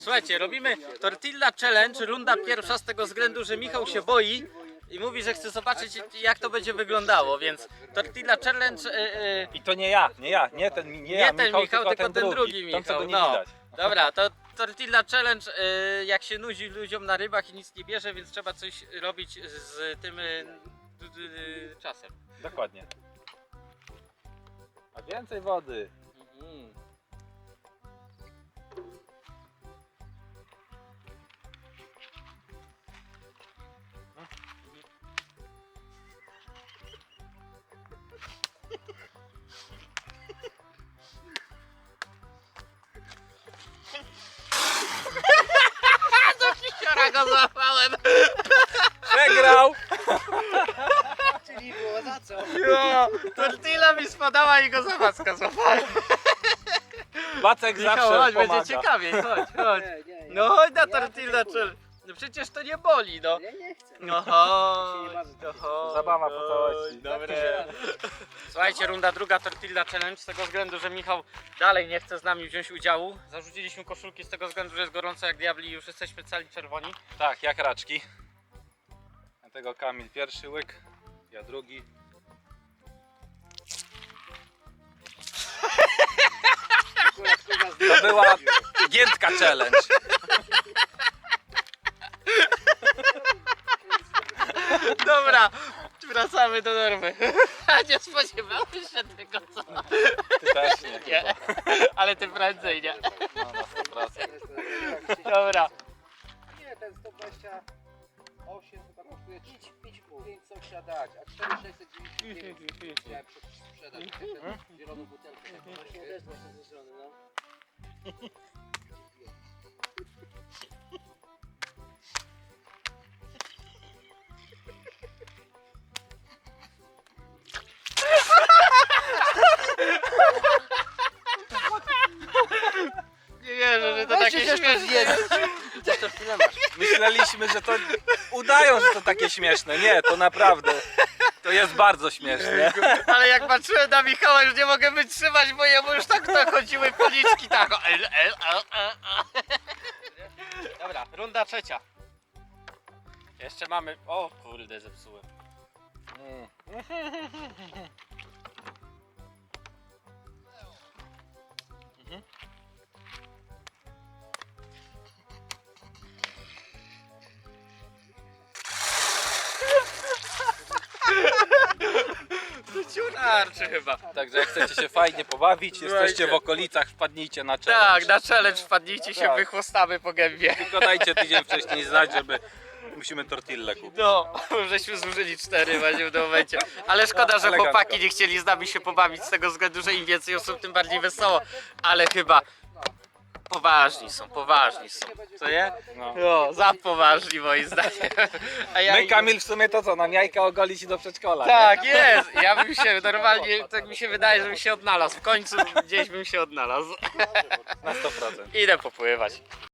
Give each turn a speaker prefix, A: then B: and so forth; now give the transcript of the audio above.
A: Słuchajcie, robimy Tortilla Challenge, runda pierwsza z tego względu, że Michał się boi i mówi, że chce zobaczyć jak to będzie wyglądało, więc Tortilla Challenge...
B: I to nie ja, nie ten Michał, tylko ten drugi
A: Michał.
B: Ten, co go nie
A: No.
B: widać.
A: Dobra, to Tortilla Challenge, jak się nudzi ludziom na rybach i nic nie bierze, więc trzeba coś robić z tym czasem.
B: Dokładnie. A więcej wody.
A: Kisiora go złapałem!
B: Przegrał!
C: Czyli było za co?
A: Jo, tortilla mi spadała i go za macka złapałem.
B: Wacek
A: Michał,
B: zawsze
A: chodź,
B: pomaga.
A: będzie ciekawiej, chodź.
C: Nie,
A: No chodź na
C: Ja
A: Tortilla
C: tylko
A: Challenge. No przecież to nie boli, no.
C: Ja nie chcę.
A: No
C: się nie
A: chodź,
C: bawię.
A: no chodź.
B: Zabawa po całości.
A: Dobre. Słuchajcie, runda druga Tortilla Challenge z tego względu, że Michał dalej nie chce z nami wziąć udziału. Zarzuciliśmy koszulki z tego względu, że jest gorąco jak diabli i już jesteśmy cali czerwoni.
B: Tak, jak raczki. Dlatego Kamil pierwszy łyk, ja drugi. To była giętka challenge.
A: Dobra, wracamy do normy. A nie spodziewałeś się tego, co?
B: Ty też nie.
A: Nie, ale ty prędzej, nie?
B: No, na 100%.
A: Dobra.
C: Nie, ten 128 chyba kosztuje 5,5. 5 coś trzeba dać, a 4,699 chciałem sprzedać. Tę zieloną butelkę. Właśnie też właśnie ze strony, no.
A: Nie wierzę, że to takie śmieszne.
C: Też to chwilę masz.
B: Myśleliśmy, że to udają, że to takie śmieszne. Nie, to naprawdę. To jest bardzo śmieszne.
A: Ale jak patrzyłem na Michała, już nie mogę wytrzymać, bo jemu już tak chodziły policzki, tak. Dobra, runda trzecia. Jeszcze mamy... O kurde, zepsułem. Ciurarczy chyba.
B: Także jak chcecie się fajnie pobawić, jesteście w okolicach, wpadnijcie na challenge.
A: Tak, na challenge wpadnijcie się,
B: Tak.
A: wychłostamy po gębie.
B: Tylko dajcie tydzień wcześniej znać, żeby musimy tortillę kupić.
A: No, żeśmy zużyli 4 właśnie w tym momencie. Ale szkoda, że
B: Elegancko.
A: chłopaki nie chcieli z nami się pobawić z tego względu, że im więcej osób, tym bardziej wesoło. Ale chyba poważni są. Co nie?
B: No.
A: No, za poważni moim zdaniem. A ja
B: My, Kamil, w sumie to co, nam jajka ogolić i do przedszkola, nie?
A: Tak, jest. Ja bym się normalnie, tak mi się wydaje, żebym się odnalazł. W końcu gdzieś bym się odnalazł.
B: Na 100%.
A: Idę popływać.